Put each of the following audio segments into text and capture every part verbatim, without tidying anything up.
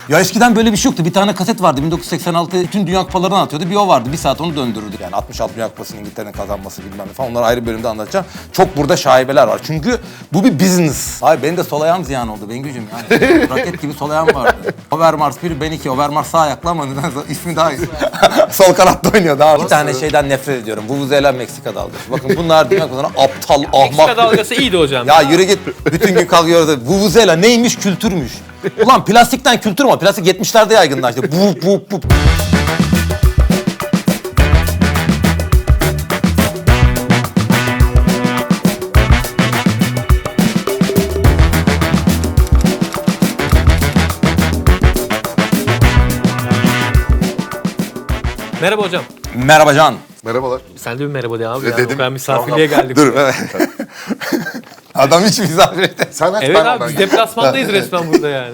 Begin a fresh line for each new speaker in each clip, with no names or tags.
Ya eskiden böyle bir şey yoktu. Bir tane kaset vardı. bin dokuz yüz seksen altı bütün Dünya Kupalarını anlatıyordu. Bir o vardı. Bir saat onu döndürürdü. Yani altmış altı Dünya Kupası'nın İngiltere'nin kazanması bilmem ne falan. Onları ayrı bir bölümde anlatacağım. Çok burada şaibeler var. Çünkü bu bir business. Hayır benim de sol ayağım ziyan oldu Bengücüğüm yani. Raket gibi sol ayağım vardı. Overmars bir, ben iki. Overmars sağ ayaklı ama nedense ismi daha iyi. Sol kanatta oynuyor daha. Bir tane şeyden nefret ediyorum. Vuvuzela Meksika dalgası. Bakın bunlar Dünya Kupası'na aptal, ahmak.
Meksika dalgası iyiydi hocam.
Ya yürü git. Bütün gün kalkıyoruz. Vuvuzela neymiş? Kültürmüş. Ulan plastikten kültür mü? Plastik yetmişlerde yaygınlaştı. Bu bu bu.
Merhaba hocam.
Merhaba Can.
Merhabalar.
Sen de bir merhaba de abi.
E,
Ya.
dedim.
O kadar misafirliğe geldik.
Dur evet. Adam hiç misafir etti.
Sen aç
Evet
ben
abi
ondan
biz deplasmandayız resmen burada yani.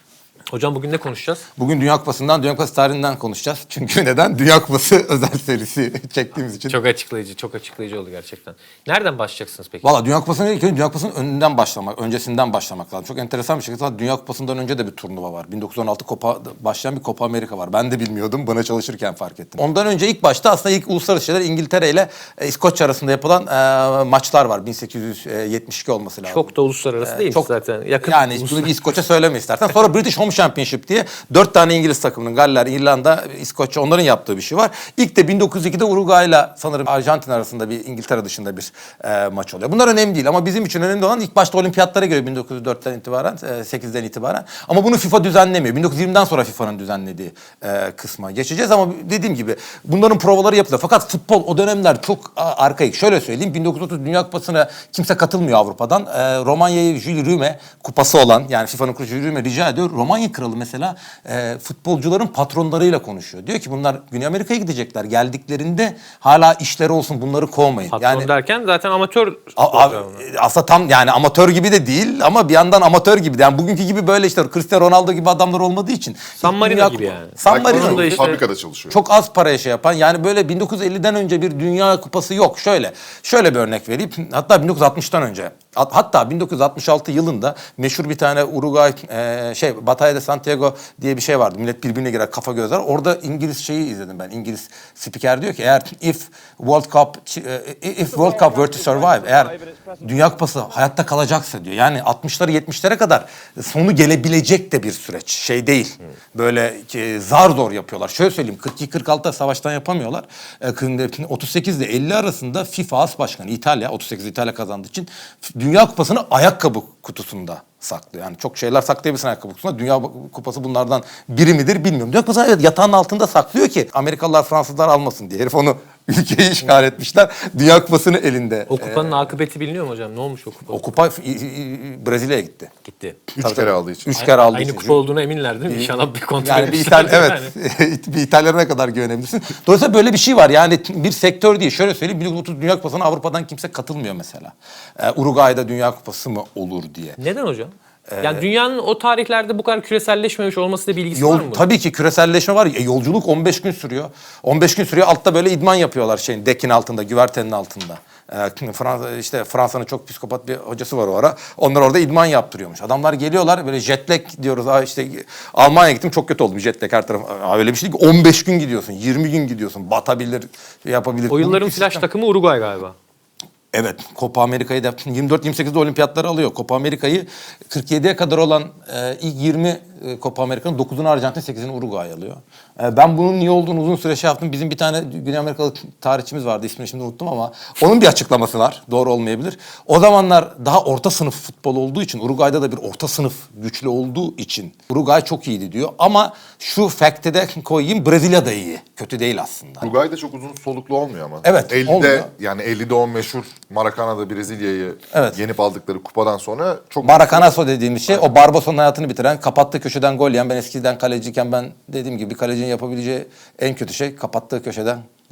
Hocam bugün ne konuşacağız?
Bugün Dünya Kupası'ndan, Dünya Kupası tarihinden konuşacağız. Çünkü neden? Dünya Kupası özel serisi çektiğimiz için.
Çok açıklayıcı, çok açıklayıcı oldu gerçekten. Nereden başlayacaksınız peki?
Valla Dünya Kupası'na ilk önce Dünya Kupası'nın önünden başlamak, öncesinden başlamak lazım. Çok enteresan bir şekilde Dünya Kupası'ndan önce de bir turnuva var. bin dokuz yüz on altı Copa, başlayan bir Copa Amerika var. Ben de bilmiyordum, bana çalışırken fark ettim. Ondan önce ilk başta aslında ilk uluslararası şeyler İngiltere ile e, İskoçya arasında yapılan e, maçlar var. bin sekiz yüz yetmiş iki olması lazım.
Çok da uluslararası değil
Çok
zaten. Yakın
yani
ulus-
bunu bir İskoçya söyleme istersen. Sonra British Home Championship diye dört tane İngiliz takımının Galler, İrlanda, İskoçya onların yaptığı bir şey var. İlk de bin dokuz yüz ikide Uruguay ile sanırım Arjantin arasında bir İngiltere dışında bir e, maç oluyor. Bunlar önemli değil ama bizim için önemli olan ilk başta olimpiyatlara göre bin dokuz yüz dörtten itibaren, e, sekizden itibaren. Ama bunu FIFA düzenlemiyor. bin dokuz yüz yirmiden sonra FIFA'nın düzenlediği e, kısma geçeceğiz ama dediğim gibi bunların provaları yapılıyor. Fakat futbol o dönemler çok a, arkaik. Şöyle söyleyeyim bin dokuz yüz otuz Dünya Kupası'na kimse katılmıyor Avrupa'dan. E, Romanya'yı Jules Rimet kupası olan yani FIFA'nın kurucu Jules Rimet rica ediyor. Romanya kralı mesela e, futbolcuların patronlarıyla konuşuyor. Diyor ki bunlar Güney Amerika'ya gidecekler. Geldiklerinde hala işleri olsun bunları kovmayın.
Patron
yani
derken zaten amatör
A-
sporcu
a-
onlar.
aslında tam yani amatör gibi de değil ama bir yandan amatör gibi. Yani bugünkü gibi böyle işte Cristiano Ronaldo gibi adamlar olmadığı için.
San Marino
Dünya
gibi
Kupa-
yani.
San
Belki
Marino.
onun
da işte-
fabrikada çalışıyor.
Çok az paraya şey yapan yani böyle bin dokuz yüz elliden önce bir Dünya Kupası yok. Şöyle şöyle bir örnek vereyim. Hatta bin dokuz yüz altmıştan önce. Hat- Hatta bin dokuz yüz altmış altı yılında meşhur bir tane Uruguay e, şey Batalla de Santiago diye bir şey vardı. Millet birbirine girer kafa gözler. Orada İngiliz şeyi izledim ben. İngiliz spiker diyor ki eğer if World Cup e, if World Cup were to survive eğer Dünya Kupası hayatta kalacaksa diyor. Yani altmışlara yetmişlere kadar sonu gelebilecek de bir süreç. Şey değil. Böyle e, zar zor yapıyorlar. Şöyle söyleyeyim kırk iki kırk altıda savaştan yapamıyorlar. E, otuz sekiz ile elli arasında FIFA As Başkanı İtalya otuz sekiz İtalya kazandığı için Dünya Kupası'nı ayakkabı kutusunda saklıyor. Yani çok şeyler saklayabilirsin ayakkabı kutusunda. Dünya Kupası bunlardan biri midir bilmiyorum. Dünya Kupası evet yatağın altında saklıyor ki Amerikalılar Fransızlar almasın diye. Herif onu ülkeyi işgal etmişler. Dünya Kupası'nı elinde.
O kupanın akıbeti biliniyor mu hocam? Ne olmuş o kupa?
O kupa i- i- Brezilya'ya gitti.
Gitti.
Üç
Tabii,
kere
tabii.
aldığı için.
Üç kere aldığı
Aynı
için.
kupa olduğuna eminler değil mi? İnşallah bir kontrol
Yani bir
etmişlerdir
İtalya, evet. bir İtalyan'a ne kadar güvenebilirsin. Dolayısıyla böyle bir şey var. Yani bir sektör değil. Şöyle söyleyeyim. bin dokuz yüz otuz Dünya Kupası'na Avrupa'dan kimse katılmıyor mesela. Ee, Uruguay'da Dünya Kupası mı olur diye.
Neden hocam? Yani dünyanın o tarihlerde bu kadar küreselleşmemiş olmasıyla bir ilgisi
Yol,
var mı?
tabii ki küreselleşme var. E, yolculuk on beş gün sürüyor. on beş gün sürüyor. Altta böyle idman yapıyorlar şeyin dekin altında, güvertenin altında. Ee, Fransa işte Fransa'nın çok psikopat bir hocası var o ara. Onlar orada idman yaptırıyormuş. Adamlar geliyorlar böyle jet lag diyoruz. Aa işte Almanya'ya gittim çok kötü oldum jet lag her taraf. Aa, öyle bir şey değil ki on beş gün gidiyorsun, yirmi gün gidiyorsun. Batabilir, yapabilir.
O yılların
Bunun bir
flash
sistem-
takımı Uruguay galiba.
Evet, Copa Amerika'yı da yirmi dört yirmi sekizde olimpiyatları alıyor. Copa Amerika'yı kırk yediye kadar olan e, ilk yirmi e, Copa Amerika'nın dokuzunu Arjantin, sekizini Uruguay alıyor. E, ben bunun niye olduğunu uzun süre şey yaptım. Bizim bir tane Güney Amerikalı tarihçimiz vardı, ismini şimdi unuttum ama onun bir açıklaması var. Doğru olmayabilir. O zamanlar daha orta sınıf futbol olduğu için, Uruguay'da da bir orta sınıf güçlü olduğu için Uruguay çok iyiydi diyor. Ama şu fact'e de koyayım, Brezilya da iyi. Kötü değil aslında.
Uruguay'da çok uzun soluklu olmuyor ama.
Evet,
ellide
olmuyor.
yani ellide o meşhur Maracana'da Brezilya'yı
Evet.
yenip aldıkları kupadan sonra çok
Maracanazo dediğimiz şey o Barbosa'nın hayatını bitiren, kapattığı köşeden gol yiyen. Ben eskiden kaleciyken ben dediğim gibi bir kalecinin yapabileceği en kötü şey kapattığı köşeden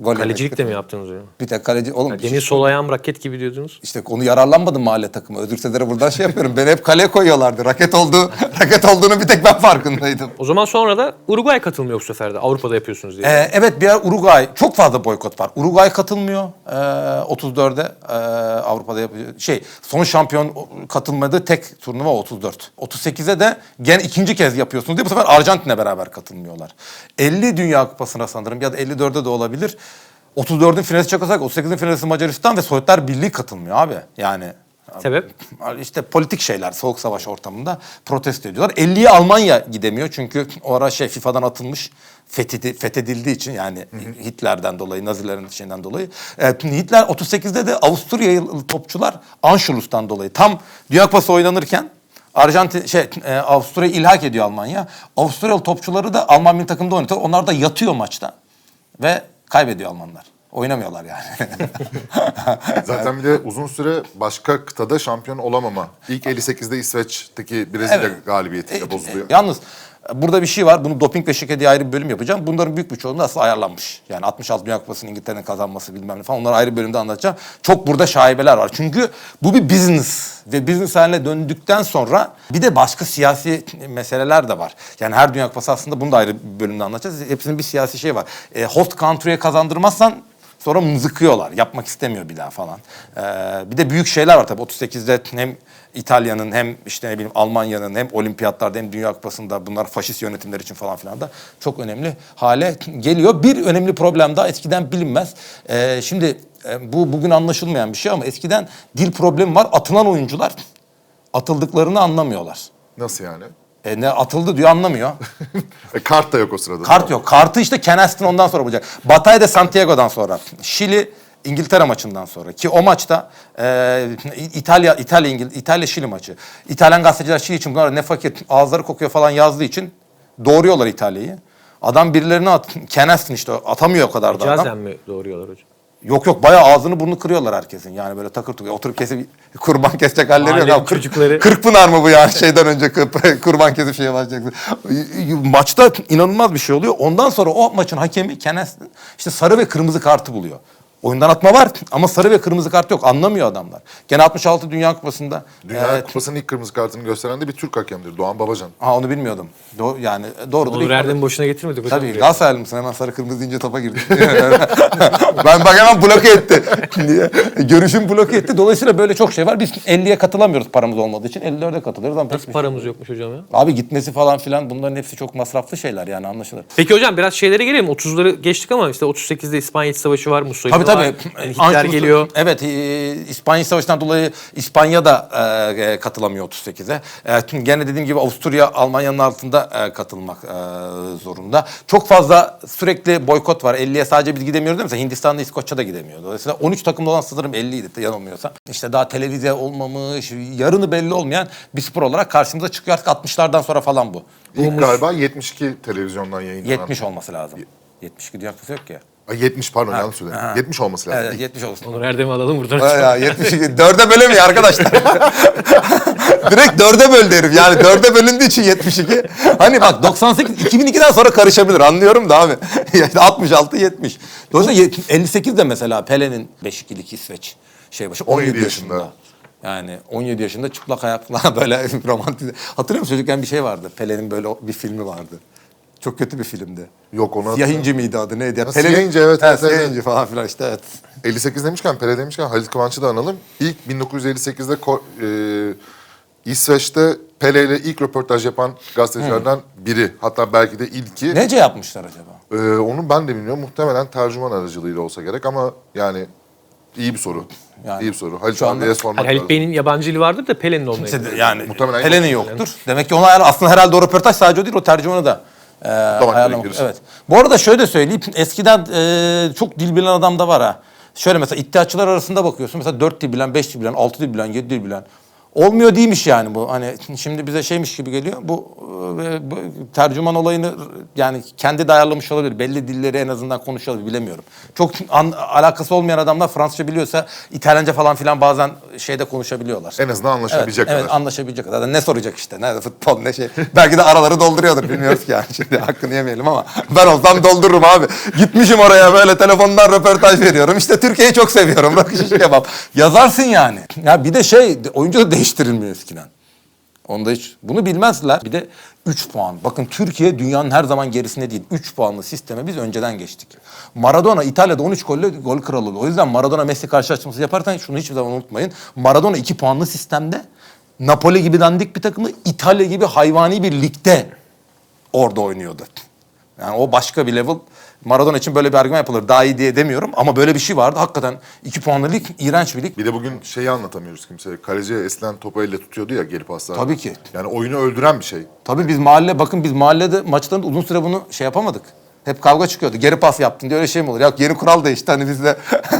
Gol
Kalecilik
yemek.
de mi yaptınız hocam?
Bir tek kaleci. Oğlum
Demin sol ayağım raket gibi diyordunuz.
işte onu yararlanmadım mahalle takımı. Özür dilerim buradan şey yapıyorum. Beni hep kaleye koyuyorlardı. Raket olduğu, raket olduğunu bir tek ben farkındaydım.
O zaman sonra da Uruguay katılmıyor bu sefer de. Avrupa'da yapıyorsunuz diye.
Ee, evet bir yer Uruguay. Çok fazla boykot var. Uruguay katılmıyor. Ee, otuz dörde ee, Avrupa'da yapıyor. Şey son şampiyon katılmadığı tek turnuva otuz dört. otuz sekize de gene ikinci kez yapıyorsunuz diye bu sefer Arjantin'le beraber katılmıyorlar. elli Dünya Kupası'na sanırım ya da elli dörde de olabilir. otuz dördün finalisi Çekoslovakya, otuz sekizin finalisi Macaristan ve Sovyetler Birliği katılmıyor abi. Yani
Sebep?
işte politik şeyler, soğuk savaş ortamında protesto ediyorlar. elliye Almanya gidemiyor çünkü o ara şey FIFA'dan atılmış, fethedi, fethedildiği için yani Hitler'den dolayı, Nazilerin şeyinden dolayı. E, Hitler otuz sekizde de Avusturyalı topçular Anschluss'tan dolayı tam Dünya Kupası oynanırken Arjantin şey e, Avusturya'yı ilhak ediyor Almanya. Avusturyalı topçuları da Alman milli takımda oynatıyor. Onlar da yatıyor maçta ve kaybediyor Almanlar. Oynamıyorlar yani.
Zaten bir de uzun süre başka kıtada şampiyon olamama. İlk elli sekizde İsveç'teki Brezilya
Evet.
galibiyetiyle
E,
bozuluyor.
e, Yalnız burada bir şey var. Bunu doping ve şike diye ayrı bir bölüm yapacağım. Bunların büyük bir çoğunluğu aslında ayarlanmış. Yani altmış altı Dünya Kupası'nın İngiltere'nin kazanması bilmem ne falan. Onları ayrı bir bölümde anlatacağım. Çok burada şaibeler var. Çünkü bu bir business. Ve business haline döndükten sonra bir de başka siyasi meseleler de var. Yani her Dünya Kupası aslında bunu da ayrı bir bölümde anlatacağız. Hepsinin bir siyasi şey var. E, host country'ye kazandırmazsan sonra mızıkıyorlar. Yapmak istemiyor bir daha falan. Ee, bir de büyük şeyler var tabii. otuz sekizde hem İtalya'nın hem işte ne bileyim Almanya'nın hem olimpiyatlarda hem Dünya Kupası'nda bunlar faşist yönetimler için falan filan da çok önemli hale geliyor. Bir önemli problem daha eskiden bilinmez. Ee, şimdi e, bu bugün anlaşılmayan bir şey ama eskiden dil problemi var. Atılan oyuncular atıldıklarını anlamıyorlar.
Nasıl yani?
E, ne atıldı diyor anlamıyor.
E, kart da yok o sırada.
Kart yok. Kartı işte Ken Aston ondan sonra bulacak. Batay de Santiago'dan sonra. Şili İngiltere maçından sonra ki o maçta e, İtalya İtalya İngil İtalya Şili maçı. İtalyan gazeteciler Şili için bunlar ne fakir ağızları kokuyor falan yazdığı için doğruyorlar İtalya'yı. Adam birilerine at, Ken Aston işte atamıyor o kadar da adam.
Cazen mi doğruyorlar hocam?
Yok yok bayağı ağzını burnunu kırıyorlar herkesin. Yani böyle takır tukur oturup kesip kurban kesecek halleri yok.
Mahallenin
Ya, kırk-
çocukları-
Kırkpınar mı bu yani şeyden önce kır- kurban kesip şeye başlayacaksın. Maçta inanılmaz bir şey oluyor. Ondan sonra o maçın hakemi Ken Aston işte sarı ve kırmızı kartı buluyor. Oyundan atma var ama sarı ve kırmızı kart yok. Anlamıyor adamlar. Gene altmış altı Dünya Kupası'nda.
Dünya
e,
Kupası'nın ilk kırmızı kartını gösteren de bir Türk hakemdir. Doğan Babacan.
ha onu bilmiyordum. Do yani doğrudur.
Onur
İlk-
Erdem'i boşuna getirmedik hocam.
Tabii
buraya.
Galatasaraylı mısın? Hemen sarı kırmızı deyince topa girdi. Ben bak hemen bloke etti. Niye? Görüşüm bloke etti. Dolayısıyla böyle çok şey var. Biz elliye katılamıyoruz paramız olmadığı için. elli dörde katılıyoruz ama pek
Nasıl
bir
paramız yokmuş hocam ya?
şey- Abi gitmesi falan filan bunların hepsi çok masraflı şeyler yani anlaşılır.
Peki hocam biraz şeylere gelelim. otuzları geçtik ama işte otuz sekizde İspanya İç Savaşı var, Mussolini
Tabii
var.
tabii.
Yani Hitler
Anschluss'u-
geliyor.
Evet, e, İspanya Savaşı'ndan dolayı İspanya da e, katılamıyor otuz sekize. E, tüm- gene dediğim gibi Avusturya Almanya'nın altında e, katılmak e, zorunda. Çok fazla sürekli boykot var. elliye sadece biz gidemiyoruz değil mi? Mesela Hindistan'da İskoçya da gidemiyor. Dolayısıyla on üç takımda olan sanırım elliydi yanılmıyorsam. İşte daha televizyon olmamış, yarını belli olmayan bir spor olarak karşımıza çıkıyor artık altmışlardan sonra falan bu.
İlk galiba yetmiş iki televizyondan yayınlanan.
yetmiş olması lazım. yetmiş iki Dünya Kupası yok ki.
Ay, yetmiş pardon yanlış söyledim. yetmiş olması lazım.
Evet, yetmiş olsun.
Onur Erdem'i alalım buradan.
Ya yetmiş iki. Dörde bölemiyor arkadaşlar. Direkt dörde böldü herif. Yani dörde bölündüğü için yetmiş iki. Hani bak doksan sekiz, iki bin ikiden sonra karışabilir. Anlıyorum da abi. Yani altmış altı, yetmiş. Dolayısıyla yet- elli sekizde mesela Pele'nin beş ikilik İsveç şey başı on yedi yaşında.
yaşında.
Yani on yedi yaşında çıplak ayakla böyle romantize. Hatırlıyor musun çocukken bir şey vardı. Pele'nin böyle bir filmi vardı. Çok kötü bir filmdi.
Yok onu
Siyah
hatırlıyorum.
İnci miydi adı neydi? Ya,
Ha,
Pele'nin-
Siyah İnci, evet,
Ha,
evet,
Siyah
evet.
İnci falan filan işte evet.
elli sekiz demişken, Pele demişken Halit Kıvanç'ı da analım. İlk bin dokuz yüz elli sekizde Ko- e, İsveç'te Pele ile ilk röportaj yapan gazetecilerden biri. Hatta belki de ilki.
Nece yapmışlar acaba?
E, onu ben de bilmiyorum. Muhtemelen tercüman aracılığıyla olsa gerek ama yani iyi bir soru.
Yani
iyi bir soru. Halit
şu anda-
abiye sormak
Hani Halit
lazım.
Bey'in yabancı dili vardır da Pelé'nin olmayabilir.
İşte yani
Muhtemelen
Pele'nin yoktur. Demek ki ona ayar- aslında herhalde o röportaj sadece o değil o tercümanı da e, ayarlamak.
gerekir.
Evet. Bu arada şöyle söyleyeyim. Eskiden e, çok dil bilen adam da var ha. Şöyle mesela iddiaçılar arasında bakıyorsun. Mesela dört dil bilen, beş dil bilen, altı dil bilen, yedi dil bilen. Olmuyor değilmiş yani bu. Hani şimdi bize şeymiş gibi geliyor. Bu, e, bu tercüman olayını yani kendi de ayarlamış olabilir. Belli dilleri en azından konuşuyor olabilir, bilemiyorum. Çok an, alakası olmayan adamlar Fransızca biliyorsa İtalyanca falan filan bazen şeyde konuşabiliyorlar.
En azından anlaşabilecek
evet,
kadar.
Evet, anlaşabilecek kadar. Ne soracak işte? Nerede futbol ne şey. Belki de araları dolduruyordur, bilmiyoruz ki yani. Şimdi hakkını yemeyelim ama ben olsam doldururum abi. Gitmişim oraya böyle telefondan röportaj veriyorum. İşte Türkiye'yi çok seviyorum. Rakı şiş kebap. Yazarsın yani. Ya bir de şey, oyuncu da değiştirilmiyor eskiden. Onda hiç bunu bilmezler. Bir de üç puan. Bakın Türkiye dünyanın her zaman gerisinde değil. üç puanlı sisteme biz önceden geçtik. Maradona İtalya'da on üç golle gol kralı oldu. O yüzden Maradona Messi karşılaştırması yaparken şunu hiçbir zaman unutmayın. Maradona iki puanlı sistemde Napoli gibi dandik bir takımı İtalya gibi hayvani bir ligde orada oynuyordu. Yani o başka bir level. Maradona için böyle bir argüman yapılır. Daha iyi diye demiyorum ama böyle bir şey vardı. Hakikaten iki puanlı lig, iğrenç bir lig.
Bir de bugün şeyi anlatamıyoruz kimseye. Kaleci eskiden topu elle tutuyordu ya geri paslar.
Tabii ki.
Yani oyunu öldüren bir şey.
Tabii biz mahalle, bakın biz mahallede maçlarında uzun süre bunu şey yapamadık. Hep kavga çıkıyordu. Geri pas yaptın diye öyle şey mi olur? Ya yeni kural değişti hani bizde.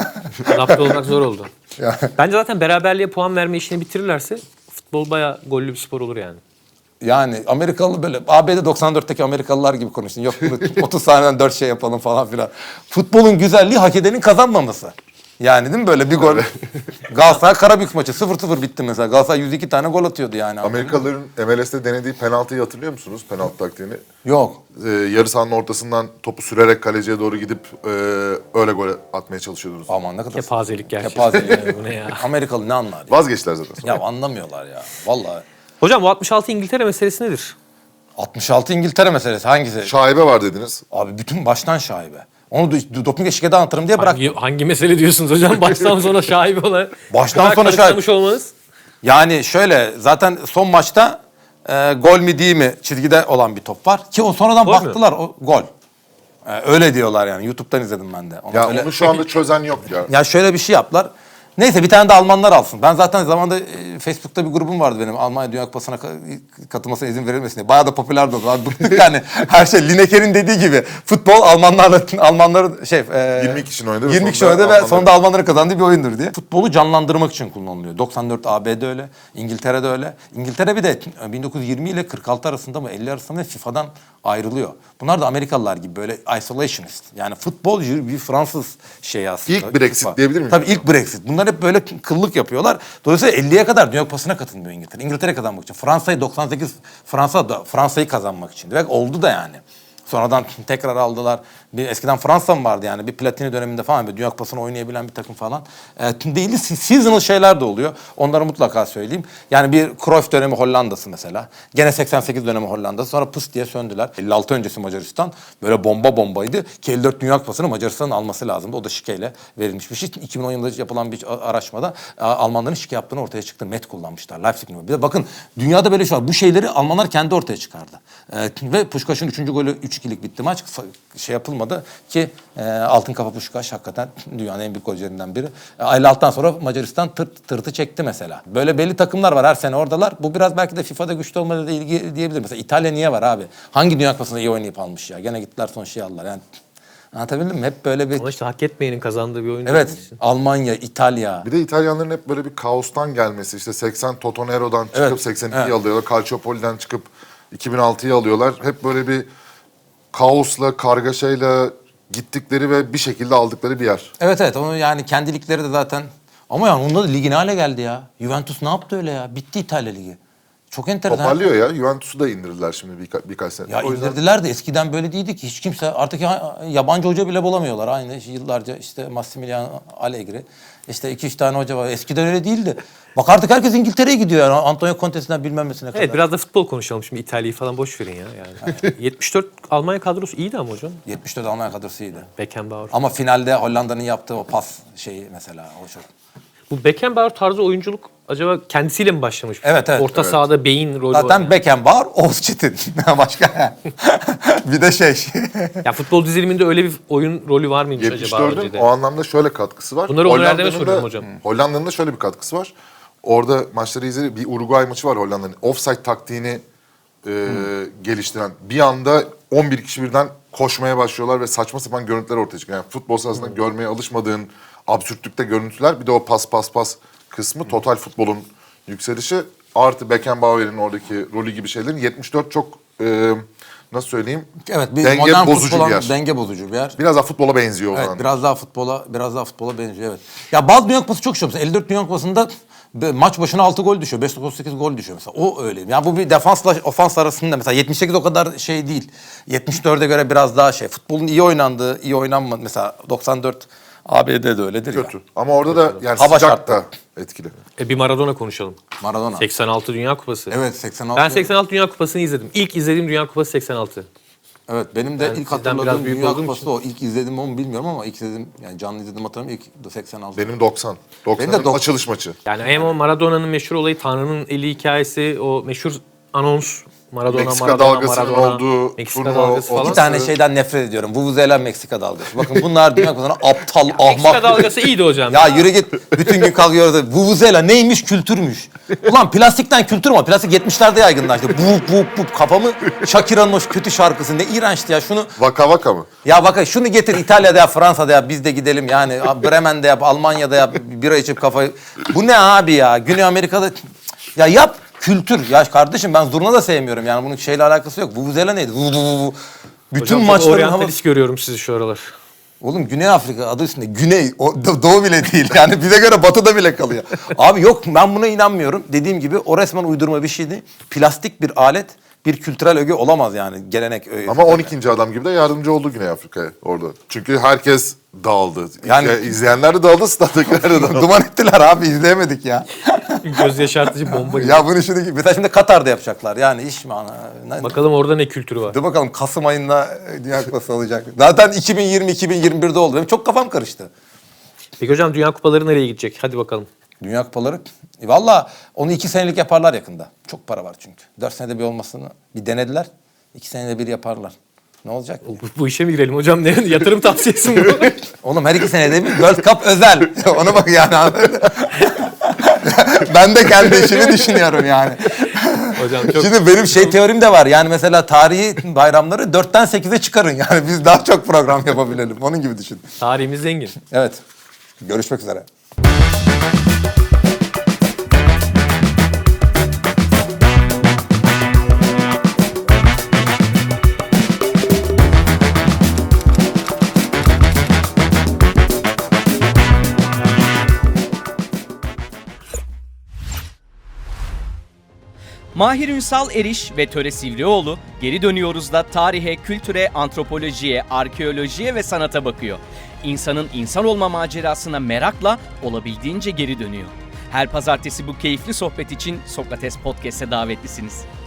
Adapte olmak zor oldu.
Yani.
Bence zaten beraberliğe puan verme işini bitirirlerse futbol bayağı gollü bir spor olur yani.
Yani Amerikalı böyle A B D doksan dörtteki Amerikalılar gibi konuştun. Yok bunu otuz saniyeden dört şey yapalım falan filan. Futbolun güzelliği hak edenin kazanmaması. Yani değil mi böyle bir gol. Galatasaray Karabük maçı sıfır sıfır bitti mesela. Galatasaray yüz iki tane gol atıyordu yani.
Amerikalıların M L S'te denediği penaltıyı hatırlıyor musunuz? Penaltı taktiğini.
Yok.
Ee, yarı sahanın ortasından topu sürerek kaleciye doğru gidip e, öyle gol atmaya çalışıyordunuz.
Aman ne kadar.
Kepazelik gerçekten.
Kepazelik.
Bu ne ya?
Amerikalı ne anlar ya?
Vazgeçtiler zaten sonra.
Ya anlamıyorlar ya. Vallahi.
Hocam bu altmış altı İngiltere meselesi nedir?
altmış altı İngiltere meselesi hangisi?
Şaibe var dediniz.
Abi bütün baştan şaibe. Onu do- doping eşikede anlatırım diye bırak.
Hangi, hangi mesele diyorsunuz hocam? Baştan sona şaibe olan.
Baştan
Bu kadar
sona şaibe.
karıştırmış olmanız.
Yani şöyle zaten son maçta e, gol mi değil mi çizgide olan bir top var. Ki o sonradan
Gol mü?
baktılar o gol. E, öyle diyorlar yani. YouTube'dan izledim ben de. Ona
Ya
öyle-
onu şu anda çözen yok ya.
Ya şöyle bir şey yaptılar. Neyse bir tane de Almanlar alsın. Ben zaten zamanında e, Facebook'ta bir grubum vardı benim. Almanya Dünya Kupası'na ka- katılmasına izin verilmesin diye. Bayağı da popülerdi o zaman. Bıktık yani. Her şey Lineker'in dediği gibi. Futbol Almanlarla Almanların şey e,
yirmi kişinin oynadı ve
yirmi kişi
sonunda
oynadı ve
Almanların-
sonunda Almanların kazandığı bir oyundur diye. Futbolu canlandırmak için kullanılıyor. doksan dört A B D öyle. İngiltere'de öyle. İngiltere bir de bin dokuz yüz yirmi ile kırk altı arasında mı elli arasında mı FIFA'dan ayrılıyor. Bunlar da Amerikalılar gibi böyle isolationist. Yani futbol bir Fransız şeyi aslında.
İlk Brexit
FIFA.
diyebilir miyim?
Tabii ilk Brexit. Bunlar hep böyle kıllık yapıyorlar. Dolayısıyla elliye kadar Dünya Kupası'na katılmıyor İngiltere. İngiltere kazanmak için. Fransa'yı doksan sekiz Fransa da Fransa'yı kazanmak için. Ve oldu da yani. Sonradan tekrar aldılar. Bir, eskiden Fransa mı vardı yani? Bir Platini döneminde falan bir Dünya Kupası'nı oynayabilen bir takım falan. E, değil, seasonal şeyler de oluyor. Onları mutlaka söyleyeyim. Yani bir Cruyff dönemi Hollanda'sı mesela. Gene seksen sekiz dönemi Hollanda'sı. Sonra pıs diye söndüler. elli altı öncesi Macaristan. Böyle bomba bombaydı. Ki elli dört Dünya Kupası'nı Macaristan'ın alması lazımdı. O da şikeyle verilmiş bir şey. iki bin on yılında yapılan bir araştırmada Almanların şike yaptığını ortaya çıktı. Met kullanmışlar. Leipzig mi? Bir de bakın dünyada böyle şey var. Bu şeyleri Almanlar kendi ortaya çıkardı. E, ve Puskas'ın üçüncü golü üç ikilik bitti maç. Şey yapılmadı ki e, Altın Kafa Puskás hakikaten dünyanın en büyük golcülerinden biri. E, elli altıdan sonra Macaristan tırt, tırtı çekti mesela. Böyle belli takımlar var her sene oradalar. Bu biraz belki de FIFA'da güçlü olmayla ilgili diyebilirim. Mesela İtalya niye var abi? Hangi Dünya Kupası'nda iyi oynayıp almış ya? Gene gittiler son şeyi aldılar. Yani anlatabildim mi? Hep böyle bir...
Ama işte hak etmeyenin kazandığı bir oyun.
Evet.
değil mi?
Almanya, İtalya.
Bir de İtalyanların hep böyle bir kaostan gelmesi. İşte seksen Totonero'dan çıkıp
Evet,
seksen ikiyi
evet.
alıyorlar. Calciopoli'den çıkıp iki bin altıyı alıyorlar. Hep böyle bir kaosla, kargaşayla gittikleri ve bir şekilde aldıkları bir yer.
Evet evet onu yani kendilikleri de zaten ama yani onda da ligi ne hale geldi ya? Juventus ne yaptı öyle ya? Bitti İtalya Ligi. Çok enteresan.
Toparlıyor ya. Juventus'u da indirdiler şimdi birka- birkaç sene.
Ya
O yüzden
indirdiler de eskiden böyle değildi ki hiç kimse artık ya- yabancı hoca bile bulamıyorlar aynı yıllarca işte Massimiliano Allegri işte iki üç tane hoca var eskiden öyle değildi. Bak artık herkes İngiltere'ye gidiyor yani Antonio Conte'sinden bilmem nesine kadar.
Evet biraz da futbol konuşalım şimdi İtalya'yı falan boş verin ya. Yani. yetmiş dört Almanya kadrosu iyiydi ama hocam.
yetmiş dört Almanya kadrosu iyiydi.
Beckenbauer.
Ama finalde Hollanda'nın yaptığı o pas şeyi mesela o çok.
Bu Beckenbauer tarzı oyunculuk acaba kendisiyle mi başlamış?
Evet, evet.
Orta
Evet.
sahada beyin rolü
Zaten
oynayan.
Beckenbauer, Oğuz Çetin. Başka. Bir de şey.
Ya futbol diziliminde öyle bir oyun rolü var mıymış acaba
yetmiş dördün
önceden?
o anlamda şöyle katkısı var.
Bunları Onur Erdem'e
Hollanda'nın
soruyorum
da-
hocam.
Hollanda'nın da şöyle bir katkısı var. Orada maçları izledi. Bir Uruguay maçı var Hollanda'nın. Offside taktiğini e, geliştiren. Bir anda on bir kişi birden koşmaya başlıyorlar ve saçma sapan görüntüler ortaya çıkıyor. Yani futbol sahasında görmeye alışmadığın absürtlükte görüntüler. Bir de o pas pas pas kısmı total futbolun yükselişi artı Beckenbauer'in oradaki rolü gibi şeylerin yetmiş dört çok e, nasıl söyleyeyim?
Evet, bir
denge
modern
bozucu
futbola,
bir yer.
denge bozucu bir yer.
Biraz daha futbola benziyor o
Evet,
zaman.
biraz daha futbola, biraz daha futbola benziyor, evet. Ya bazı Dünya Kupası çok şey. Mesela elli dört Dünya Kupası'nda be- maç başına altı gol düşüyor. beş dokuz sekiz gol düşüyor mesela. O öyle. Yani bu bir defansla ofans arasında mesela yetmiş sekiz o kadar şey değil. yetmiş dörde göre biraz daha şey. Futbolun iyi oynandığı, iyi oynanmadı. Mesela doksan dört A B D'de öyle,'dir ya.
Kötü. Ama orada da yani
Hava
sıcak
şartları.
da etkili.
E bir Maradona konuşalım.
Maradona.
seksen altı Dünya Kupası.
Evet, seksen altı.
Ben seksen altı Dünya Kupası'nı izledim. İlk izlediğim Dünya Kupası seksen altı.
Evet, benim de
Ben
ilk
sizden biraz
hatırladığım
büyük
Dünya
olduğum
Kupası
için.
o. İlk izledim onu bilmiyorum ama ilk izledim, yani canlı izledim hatırlamıyorum. İlk seksen altı.
Benim doksan.
Benim de
doksanın
doksan.
açılış maçı.
Yani hem o Maradona'nın meşhur olayı, Tanrı'nın eli hikayesi, o meşhur anons. Maradona,
Meksika
Maradona,
dalgasının
Maradona,
olduğu
Meksika
turnuva,
dalgası
o-
falan.
İki tane şeyden nefret ediyorum. Vuvuzela, Meksika dalgası. Bakın bunlar Dünya Kupası'na aptal, ahmak.
Meksika dalgası iyiydi hocam.
Ya yürü git. Bütün gün kalkıyoruz. Vuvuzela neymiş? Kültürmüş. Ulan plastikten kültür mü? Plastik yetmişlerde yaygınlaştı. Bup bup bup. Kafamı Shakira'nın o kötü şarkısı. Ne iğrençti ya. Şunu
Vaka vaka mı?
ya bak şunu getir İtalya'da yap, Fransa'da yap, biz de gidelim yani. Bremen'de yap, Almanya'da yap, bira içip kafayı. Bu ne abi ya? Güney Amerika'da ya yap kültür. Ya kardeşim ben zurna da sevmiyorum yani bunun şeyle alakası yok. Vuvuzela neydi? Vu, vu, vu, vu. Bütün
Hocam çok
maçların
oryantalist
havası.
görüyorum sizi şu aralar.
Oğlum Güney Afrika adı üstünde. Güney, o, do- doğu bile değil. Yani bize göre batıda bile kalıyor. Abi yok ben buna inanmıyorum. Dediğim gibi o resmen uydurma bir şeydi. Plastik bir alet bir kültürel öge olamaz yani. Gelenek öğesi.
Ama on ikinci adam gibi de yardımcı oldu Güney Afrika'ya orada. Çünkü herkes dağıldı.
Yani-
Yani izleyenler de dağıldı, stat'takiler de dağıldı.
Duman ettiler abi izleyemedik ya.
Göz yaşartıcı bomba gibi.
Ya bunu şimdi mesela şimdi Katar'da yapacaklar. Yani iş mi ana? Ne-
Bakalım orada ne kültürü var.
Dur bakalım Kasım ayında Dünya Kupası olacak. Zaten iki bin yirmi iki bin yirmi birde oldu. Benim çok kafam karıştı.
Peki hocam Dünya Kupaları nereye gidecek? Hadi bakalım.
Dünya Kupaları. E valla onu iki senelik yaparlar yakında. Çok para var çünkü. Dört senede bir olmasını bir denediler. İki senede bir yaparlar. Ne olacak?
Bu, bu işe mi girelim hocam? Ne yatırım tavsiyesi mi bu?
Oğlum her iki senede bir World Cup özel. Ona bak yani. Ben de kendi işimi düşünüyorum yani.
Hocam çok
Şimdi benim şey teorim de var. Yani mesela tarihi bayramları dörtten sekize çıkarın. Yani biz daha çok program yapabilelim. Onun gibi düşün.
tarihimiz zengin.
Evet. Görüşmek üzere.
Mahir Ünsal Eriş ve Töre Sivrioğlu geri dönüyoruz da tarihe, kültüre, antropolojiye, arkeolojiye ve sanata bakıyor. İnsanın insan olma macerasına merakla olabildiğince geri dönüyor. Her pazartesi bu keyifli sohbet için Sokrates Podcast'e davetlisiniz.